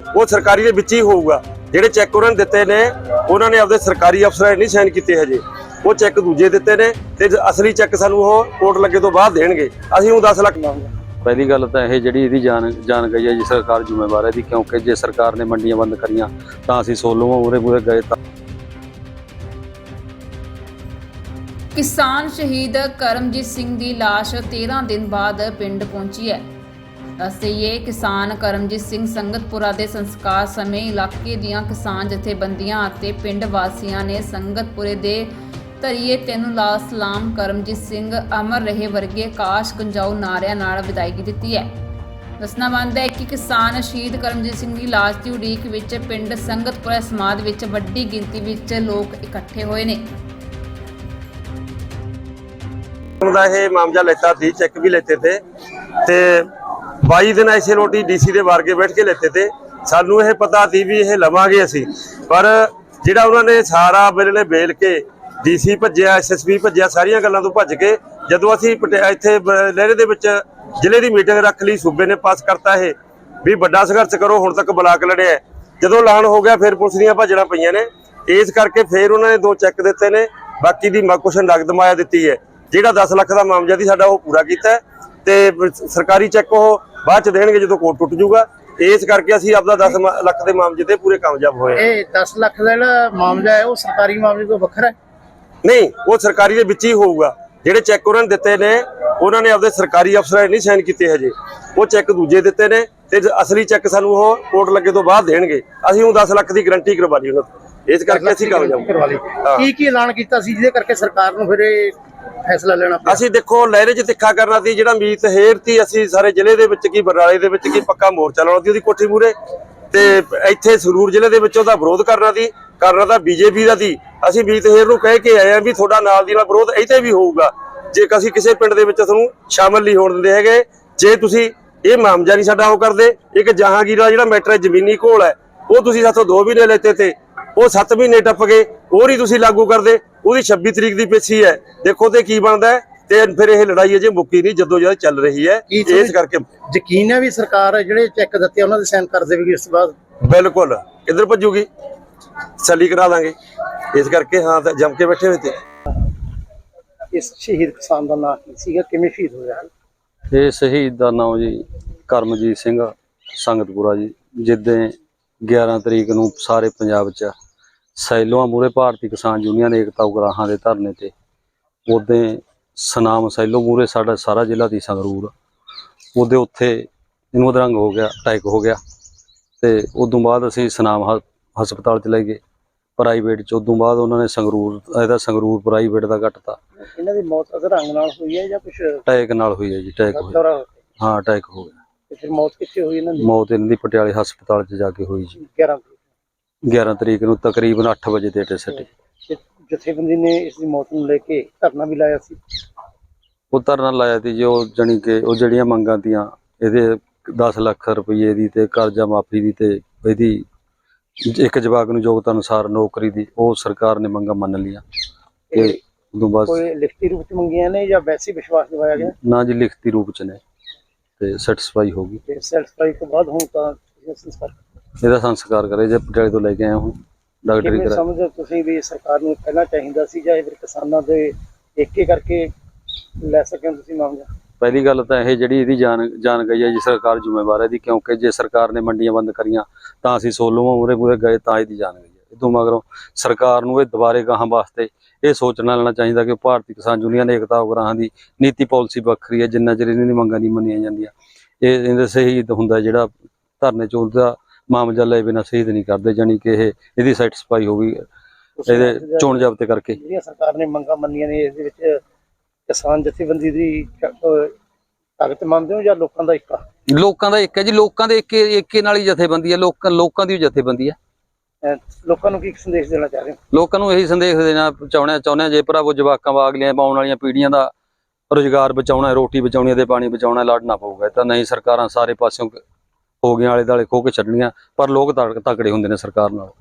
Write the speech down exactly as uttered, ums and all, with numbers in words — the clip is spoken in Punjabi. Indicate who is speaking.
Speaker 1: वो सरकारी दे विच ही होऊगा। ਜਿਹੜੇ ਚੈੱਕ ਉਹਨਾਂ ਨੇ ਦਿੱਤੇ ਨੇ ਉਹਨਾਂ ਨੇ ਆਪਦੇ ਸਰਕਾਰੀ ਅਫਸਰਾਂ ਨੇ ਨਹੀਂ ਸਾਈਨ ਕੀਤੇ ਹਜੇ, ਉਹ ਚੈੱਕ ਦੂਜੇ ਦਿੱਤੇ ਨੇ ਤੇ ਅਸਲੀ ਚੈੱਕ ਸਾਨੂੰ ਉਹ ਕੋਰਟ ਲੱਗੇ ਤੋਂ ਬਾਅਦ ਦੇਣਗੇ। ਅਸੀਂ ਉਹ दस ਲੱਖ ਮੰਗਦੇ।
Speaker 2: ਪਹਿਲੀ ਗੱਲ ਤਾਂ ਇਹ ਜਿਹੜੀ ਇਹਦੀ ਜਾਨ ਜਾਨ ਗਈ ਹੈ ਜੀ, ਸਰਕਾਰ ਜ਼ਿੰਮੇਵਾਰ ਹੈ ਇਹਦੀ, ਕਿਉਂਕਿ ਜੇ ਸਰਕਾਰ ਨੇ ਮੰਡੀਆਂ ਬੰਦ ਕਰੀਆਂ ਤਾਂ ਅਸੀਂ ਸੋਲੋਂ ਉਰੇ ਮੂਰੇ ਗਏ ਤਾਂ।
Speaker 3: ਕਿਸਾਨ ਸ਼ਹੀਦ ਕਰਮਜੀਤ ਸਿੰਘ ਦੀ ਲਾਸ਼ तेरह ਦਿਨ ਬਾਅਦ ਪਿੰਡ ਪਹੁੰਚੀ ਹੈ। ਦੱਸ ਦੇਈਏ, ਕਿਸਾਨ ਕਰਮਜੀਤ ਸਿੰਘ ਸੰਗਤਪੁਰਾ ਦੇ ਸੰਸਕਾਰ ਸਮੇਂ ਇਲਾਕੇ ਦੀਆਂ ਕਿਸਾਨ ਜਥੇਬੰਦੀਆਂ ਅਤੇ ਪਿੰਡ ਵਾਸੀਆਂ ਨੇ ਸੰਗਤਪੁਰੇ ਦੇ ਧਰੀਏ ਤੈਨੂੰ ਲਾ ਸਲਾਮ ਕਰਮਜੀਤ ਸਿੰਘ ਅਮਰ ਰਹੇ ਵਰਗੇ ਕਾਸ਼ ਗੰਜਾਊ ਨਾਰਿਆਂ ਨਾਲ ਵਿਦਾਇਗੀ ਦਿੱਤੀ ਹੈ। ਦੱਸਣਾ ਬਣਦਾ ਹੈ ਕਿ ਕਿਸਾਨ ਸ਼ਹੀਦ ਕਰਮਜੀਤ ਸਿੰਘ ਦੀ ਲਾਸ਼ ਦੀ ਉਡੀਕ ਵਿੱਚ ਪਿੰਡ ਸੰਗਤਪੁਰਾ ਸਮਾਜ ਵਿੱਚ ਵੱਡੀ ਗਿਣਤੀ ਵਿੱਚ ਲੋਕ ਇਕੱਠੇ ਹੋਏ ਨੇ।
Speaker 1: ਦਾ ਇਹ ਮਾਮਲਾ ਲੈਤਾ ਸੀ, ਚੈੱਕ भी लेते थे ਤੇ बाई दिन ऐसे रोटी डीसी ਦੇ ਵਾਰ ਕੇ ਬੈਠ ਕੇ ਲੈਤੇ थे। ਸਾਨੂੰ ਇਹ ਪਤਾ ਸੀ ਵੀ ਇਹ ਲਵਾਂਗੇ ਅਸੀਂ, ਪਰ ਜਿਹੜਾ ਉਹਨਾਂ ਨੇ ਸਾਰਾ ਵੇਲੇ ਬੇਲ ਕੇ ਡੀਸੀ ਭੱਜਿਆ, ਐਸਐਸਪੀ ਭੱਜਿਆ, ਸਾਰੀਆਂ ਗੱਲਾਂ ਤੋਂ ਭੱਜ ਕੇ ਜਦੋਂ ਅਸੀਂ ਇੱਥੇ ਲਹਿਰੇ ਦੇ ਵਿੱਚ ਜ਼ਿਲ੍ਹੇ ਦੀ ਮੀਟਿੰਗ ਰੱਖ ਲਈ, ਸੂਬੇ ਨੇ ਪਾਸ ਕਰਤਾ ਇਹ ਵੀ ਵੱਡਾ ਸੰਘਰਸ਼ ਕਰੋ, ਹੁਣ ਤੱਕ ਬਲਾਕ ਲੜਿਆ। ਜਦੋਂ ਐਲਾਨ ਹੋ ਗਿਆ ਫਿਰ ਪੁਲਿਸ ਦੀਆਂ ਭੱਜਣਾ ਪਈਆਂ ਨੇ, ਇਸ ਕਰਕੇ ਫਿਰ ਉਹਨਾਂ ਨੇ ਦੋ ਚੈੱਕ ਦਿੱਤੇ ਨੇ, ਬਾਕੀ ਦੀ ਕੁਛ ਨਗਦ ਮਾਇਆ ਦਿੱਤੀ ਹੈ। ਜਿਹੜਾ दस ਲੱਖ ਦਾ ਮਾਮਲਾ ਸੀ ਸਾਡਾ ਉਹ ਪੂਰਾ ਕੀਤਾ ਤੇ ਸਰਕਾਰੀ ਚੈੱਕ ਉਹ ਬਾਅਦ ਚ ਦੇਣਗੇ ਜਦੋਂ ਕੋਰਟ ਟੁੱਟ ਜਾਊਗਾ। ਇਸ ਕਰਕੇ ਅਸੀਂ ਆਪਦਾ दस ਲੱਖ ਦੇ ਮਾਮਲੇ ਤੇ ਪੂਰੇ ਕਾਮਯਾਬ ਹੋਏ।
Speaker 4: ਇਹ दस ਲੱਖ ਦਾ ਜਿਹੜਾ ਮਾਮਲਾ ਹੈ ਉਹ ਸਰਕਾਰੀ ਮਾਮਲੇ ਤੋਂ ਵੱਖਰਾ ਹੈ?
Speaker 1: ਨਹੀਂ, ਉਹ ਸਰਕਾਰੀ ਦੇ ਵਿੱਚ ਹੀ ਹੋਊਗਾ। ਜਿਹੜੇ ਚੈੱਕ ਉਹਨਾਂ ਨੇ ਦਿੱਤੇ ਨੇ ਉਹਨਾਂ ਨੇ ਆਪਦੇ ਸਰਕਾਰੀ ਅਫਸਰਾਂ ਨੇ ਨਹੀਂ ਸਾਈਨ ਕੀਤੇ ਹਜੇ, ਉਹ ਚੈੱਕ ਦੂਜੇ ਦਿੱਤੇ ਨੇ ਤੇ ਅਸਲੀ ਚੈੱਕ ਸਾਨੂੰ ਉਹ ਕੋਰਟ ਲੱਗੇ ਤੋਂ ਬਾਅਦ ਦੇਣਗੇ। ਅਸੀਂ ਉਹ दस ਲੱਖ ਦੀ ਗਾਰੰਟੀ ਕਰਵਾ ਲਈ ਉਹਨਾਂ ਤੋਂ, ਇਸ ਕਰਕੇ ਅਸੀਂ ਕਾਮਯਾਬ ਕਰਵਾ ਲਈ।
Speaker 4: ਕੀ ਕੀ ਐਲਾਨ ਕੀਤਾ ਸੀ ਜਿਹਦੇ ਕਰਕੇ ਸਰਕਾਰ ਨੂੰ ਫਿਰ ਇਹ ਫੈਸਲਾ ਲੈਣਾ ਪਿਆ?
Speaker 1: ਅਸੀਂ ਦੇਖੋ ਲਹਿਰੇ 'ਚ ਤਿੱਖਾ ਕਰਨਾ ਸੀ, ਜਿਹੜਾ ਮੀਤ ਹੇਰ ਸੀ, ਅਸੀਂ ਸਾਰੇ ਜ਼ਿਲ੍ਹੇ ਦੇ ਵਿੱਚ ਕੀ ਬਰਨਾਲੇ ਦੇ ਵਿੱਚ ਕੀ ਪੱਕਾ ਮੋਰਚਾ ਲਾਉਣਾ ਸੀ ਉਹਦੀ ਕੋਠੀ ਮੂਹਰੇ, ਤੇ ਇੱਥੇ ਸੰਗਰੂਰ ਜ਼ਿਲ੍ਹੇ ਦੇ ਵਿੱਚ ਉਹਦਾ ਵਿਰੋਧ ਕਰਨਾ ਸੀ। ਕਰਨਾ ਤਾਂ ਬੀਜੇਪੀ ਦਾ ਸੀ। ਅਸੀਂ ਮੀਤ ਹੇਰ ਨੂੰ ਕਹਿ ਕੇ ਆਏ ਆ ਵੀ ਤੁਹਾਡਾ ਨਾਲ ਦੀ ਨਾਲ ਵਿਰੋਧ ਇੱਥੇ ਵੀ ਹੋਊਗਾ, ਜੇ ਅਸੀਂ ਕਿਸੇ ਪਿੰਡ ਦੇ ਵਿੱਚ ਤੁਹਾਨੂੰ ਸ਼ਾਮਲ ਨਹੀਂ ਹੋਣ ਦਿੰਦੇ ਹੈਗੇ। ਜੇ ਤੁਸੀਂ ਇਹ ਮਾਮਲਾ ਨਹੀਂ ਸਾਡਾ ਉਹ ਕਰਦੇ, ਇੱਕ ਜਹਾਂਗੀਰ ਦਾ ਜਿਹੜਾ ਮੈਟਰ ਜ਼ਮੀਨੀ ਘੋਲ ਹੈ ਉਹ ਤੁਸੀਂ ਸਾਥੋਂ ਦੋ ਮਹੀਨੇ ਲੈਤੇ ਤੇ ਉਹ ਸੱਤ ਮਹੀਨੇ ਟੱਪ ਗਏ, ਉਹ ਨਹੀਂ ਤੁਸੀਂ ਲਾਗੂ ਕਰਦੇ। ਉਹਦੀ छब्बीस ਤਰੀਕ ਦੀ ਪੇਸ਼ੀ ਹੈ, ਦੇਖੋ ਤੇ ਕੀ ਬਣਦਾ ਹੈ। ਤੇ ਫਿਰ ਇਹ ਲੜਾਈ ਅਜੇ ਮੁੱਕੀ ਨਹੀਂ, ਜਦੋਂ ਜਦ ਚੱਲ ਰਹੀ ਹੈ। ਇਸ ਕਰਕੇ
Speaker 4: ਯਕੀਨ ਹੈ ਵੀ ਸਰਕਾਰ ਜਿਹੜੇ ਚੈੱਕ ਦਿੱਤੇ ਉਹਨਾਂ ਦੇ ਸਾਈਨ ਕਰ ਦੇਵੇਗੀ ਇਸ ਤੋਂ ਬਾਅਦ?
Speaker 1: ਬਿਲਕੁਲ ਕਿੱਧਰ ਭੱਜੂਗੀ, ਸਲੀ ਕਰਾ ਦਾਂਗੇ। ਇਸ ਕਰਕੇ ਹਾਂ ਤਾਂ ਜੰਮ ਕੇ ਬੈਠੇ ਹੋਏ ਤੇ।
Speaker 4: ਇਸ ਸ਼ਹੀਦ ਕਿਸਾਨ ਦਾ ਨਾਮ ਕੀ ਸੀਗਾ, ਕਿਵੇਂ ਸ਼ਹੀਦ ਹੋਇਆ?
Speaker 2: ਇਹ ਸ਼ਹੀਦ ਦਾ ਨਾਮ ਜੀ ਕਰਮਜੀਤ ਸਿੰਘ ਸੰਗਤਪੁਰਾ ਜੀ। ਜਿੱਦਾਂ ਗਿਆਰਾਂ ਤਰੀਕ ਨੂੰ ਸਾਰੇ ਪੰਜਾਬ 'ਚ ਸੈਲੋਆਂ ਮੂਰੇ ਭਾਰਤੀ ਕਿਸਾਨ ਯੂਨੀਅਨ ਏਕਤਾ ਉਗਰਾਹਾਂ ਦੇ ਧਰਨੇ ਤੇ, ਉਦੋਂ ਸਨਾਮ ਸੈਲੋ ਮੂਰੇ ਸਾਡਾ ਸਾਰਾ ਜ਼ਿਲ੍ਹਾ ਦੀ ਸੰਗਰੂਰ, ਉਹਦੇ ਉੱਥੇ ਇਹਨੂੰ ਅਧਰੰਗ ਹੋ ਗਿਆ, ਅਟੈਕ ਹੋ ਗਿਆ ਤੇ ਉਦੋਂ ਬਾਅਦ ਅਸੀਂ ਸਨਾਮ ਹਸਪਤਾਲ ਚ ਲੈ ਗਏ ਪ੍ਰਾਈਵੇਟ ਚ। ਉਦੋਂ ਬਾਅਦ ਉਹਨਾਂ ਨੇ ਸੰਗਰੂਰ ਇਹਦਾ ਸੰਗਰੂਰ ਪ੍ਰਾਈਵੇਟ ਦਾ ਕੱਟਤਾ।
Speaker 4: ਇਹਨਾਂ ਦੀ ਮੌਤ ਅਧਰੰਗ ਨਾਲ ਹੋਈ ਹੈ ਜਾਂ ਕੁਝ
Speaker 2: ਅਟੈਕ ਨਾਲ ਹੋਈ ਹੈ ਜੀ? ਅਟੈਕ ਹੋਇਆ, ਹਾਂ ਅਟੈਕ ਹੋ ਗਿਆ।
Speaker 4: ਤੇ ਫਿਰ ਮੌਤ ਕਿੱਥੇ ਹੋਈ ਇਹਨਾਂ ਦੀ?
Speaker 2: ਮੌਤ ਇਹਨਾਂ ਦੀ ਪਟਿਆਲੇ ਹਸਪਤਾਲ ਚ ਜਾ ਕੇ ਹੋਈ ਜੀ ਗਿਆਰਾਂ ਤਰੀਕ ਨੂੰ ਤਕਰੀਬਨ ਅੱਠ ਵਜੇ ਦੇ ਏਟੇ ਸੱਟੇ।
Speaker 4: ਜਥੇਬੰਦੀ ਨੇ ਇਸ ਦੀ ਮੌਤ ਨੂੰ ਲੈ ਕੇ ਧਰਨਾ ਵੀ ਲਾਇਆ ਸੀ?
Speaker 2: ਉਹ ਧਰਨਾ ਲਾਇਆ ਸੀ ਜੋ ਜਾਣੀ ਕਿ ਉਹ ਜਿਹੜੀਆਂ ਮੰਗਾਂ ਤੀਆਂ ਇਹਦੇ दस ਲੱਖ ਰੁਪਏ ਦੀ ਤੇ ਕਰਜ਼ਾ ਮਾਫੀ ਦੀ ਤੇ ਇਹਦੀ ਇੱਕ ਜਵਾਕ ਨੂੰ ਯੋਗਤਾ ਅਨੁਸਾਰ ਨੌਕਰੀ ਦੀ, ਉਹ ਸਰਕਾਰ ਨੇ ਮੰਗਾਂ ਮੰਨ ਲਈਆਂ। ਤੇ ਉਦੋਂ ਬਾਅਦ ਕੋਈ
Speaker 4: ਲਿਖਤੀ ਰੂਪ ਚ ਮੰਗੀਆਂ ਨੇ ਜਾਂ ਵੈਸੇ ਵਿਸ਼ਵਾਸ ਦਿਵਾਇਆ ਗਿਆ?
Speaker 2: ਨਾ ਜੀ, ਲਿਖਤੀ ਰੂਪ ਚ ਨੇ ਤੇ ਸੈਟੀਸਫਾਈ ਹੋ ਗਈ।
Speaker 4: ਤੇ ਸੈਟੀਸਫਾਈ ਤੋਂ ਬਾਅਦ ਹੁਣ ਤਾਂ ਸੰਸਕਾਰ
Speaker 2: ਇਹਦਾ ਸੰਸਕਾਰ ਕਰੇ ਜੇ ਪਟਿਆਲੇ ਤੋਂ ਲੈ ਕੇ ਆਏ ਹੁਣ ਡਾਕਟਰੀ ਕਰਾ।
Speaker 4: ਸਮਝਦੇ ਤੁਸੀਂ ਵੀ ਸਰਕਾਰ ਨੂੰ ਪਹਿਲਾਂ ਚਾਹੀਦਾ ਸੀ ਜਾਂ ਫਿਰ ਕਿਸਾਨਾਂ ਦੇ ਏਕੇ ਕਰਕੇ ਲੈ ਸਕੇ ਤੁਸੀਂ ਮਾਮਲਾ?
Speaker 2: ਪਹਿਲੀ ਗੱਲ ਤਾਂ ਇਹ ਜਿਹੜੀ ਇਹਦੀ ਜਾਨ ਜਾਨ ਗਈ ਹੈ ਜੀ, ਸਰਕਾਰ ਜ਼ਿੰਮੇਵਾਰ ਹੈ ਇਹਦੀ, ਕਿਉਂਕਿ ਜੇ ਸਰਕਾਰ ਨੇ ਮੰਡੀਆਂ ਬੰਦ ਕਰੀਆਂ ਤਾਂ ਅਸੀਂ ਸੋਲੋਂ ਮੂਰੇ ਮੂਰੇ ਗਏ ਤਾਂ ਇਹਦੀ ਜਾਨ ਗਈ ਹੈ। ਇਦੋਂ ਮਗਰੋਂ ਸਰਕਾਰ ਨੂੰ ਇਹ ਦੁਬਾਰੇ ਗਾਹਾਂ ਵਾਸਤੇ ਇਹ ਸੋਚਣਾ ਲੈਣਾ ਚਾਹੀਦਾ ਕਿ ਭਾਰਤੀ ਕਿਸਾਨ ਯੂਨੀਅਨ ਏਕਤਾ ਉਗਰਾਹਾਂ ਦੀ ਨੀਤੀ ਪਾਲਿਸੀ ਵੱਖਰੀ ਹੈ। ਜਿੰਨਾ ਚਿਰ ਇਹਨਾਂ ਦੀ ਮੰਗਾਂ ਨਹੀਂ ਮੰਨੀਆਂ ਜਾਂਦੀਆਂ ਇਹ ਇਹਦੇ ਸ਼ਹੀਦ ਹੁੰਦਾ ਜਿਹੜਾ ਧਰਨੇ ਚ, ਉਹਦਾ ਮਾਮਲਾ ਲੈ ਬਿਨਾਂ ਸ਼ਹੀਦ ਨਹੀਂ ਕਰਦੇ। ਜਾਣੀ ਕਿ ਇਹ ਇਹਦੀ ਸੈਟੀਸਫਾਈ ਹੋ ਗਈ ਇਹਦੇ ਚੋਣ ਜ਼ਾਬਤੇ ਕਰਕੇ।
Speaker 4: ਜਿਹੜੀਆਂ ਸਰਕਾਰ ਨੇ ਮੰਗਾਂ ਮੰਨੀਆਂ ਨੇ ਇਸ ਦੇ ਵਿੱਚ ਕਿਸਾਨ ਜਥੇਬੰਦੀ ਦੀ ਤਾਕਤ ਮੰਨਦੇ ਹੋ ਜਾਂ ਲੋਕਾਂ ਦਾ ਇੱਕਾ?
Speaker 2: ਲੋਕਾਂ ਦਾ ਇੱਕ ਹੈ ਜੀ, ਲੋਕਾਂ ਦੇ ਏਕੇ ਏਕੇ ਨਾਲ ਹੀ ਜਥੇਬੰਦੀ ਹੈ, ਲੋਕਾਂ ਲੋਕਾਂ ਦੀ ਜਥੇਬੰਦੀ ਹੈ।
Speaker 4: ਲੋਕਾਂ ਨੂੰ ਕੀ ਸੰਦੇਸ਼ ਦੇਣਾ ਚਾਹ ਰਹੇ ਹੋ?
Speaker 2: ਲੋਕਾਂ ਨੂੰ ਇਹੀ ਸੰਦੇਸ਼ ਦੇਣਾ ਚਾਹੁੰਦੇ ਚਾਹੁੰਦੇ ਜੇ ਭਰਾਵੋ ਜਵਾਕਾਂ ਵਾਗਲੀਆਂ ਆਉਣ ਵਾਲੀਆਂ ਪੀੜ੍ਹੀਆਂ ਦਾ ਰੁਜ਼ਗਾਰ ਬਚਾਉਣਾ, ਰੋਟੀ ਬਚਾਉਣੀ ਤੇ ਪਾਣੀ ਬਚਾਉਣਾ, ਲੜਨਾ ਪਊਗਾ। ਤਾਂ ਨਹੀਂ ਸਰਕਾਰਾਂ ਸਾਰੇ ਪਾਸਿਓਂ ਹੋ ਗਈਆਂ ਆਲੇ ਦੁਆਲੇ ਖੋ ਕੇ ਛੱਡਣੀਆਂ, ਪਰ ਲੋਕ ਤਕੜੇ ਹੁੰਦੇ ਨੇ ਸਰਕਾਰ ਨਾਲ।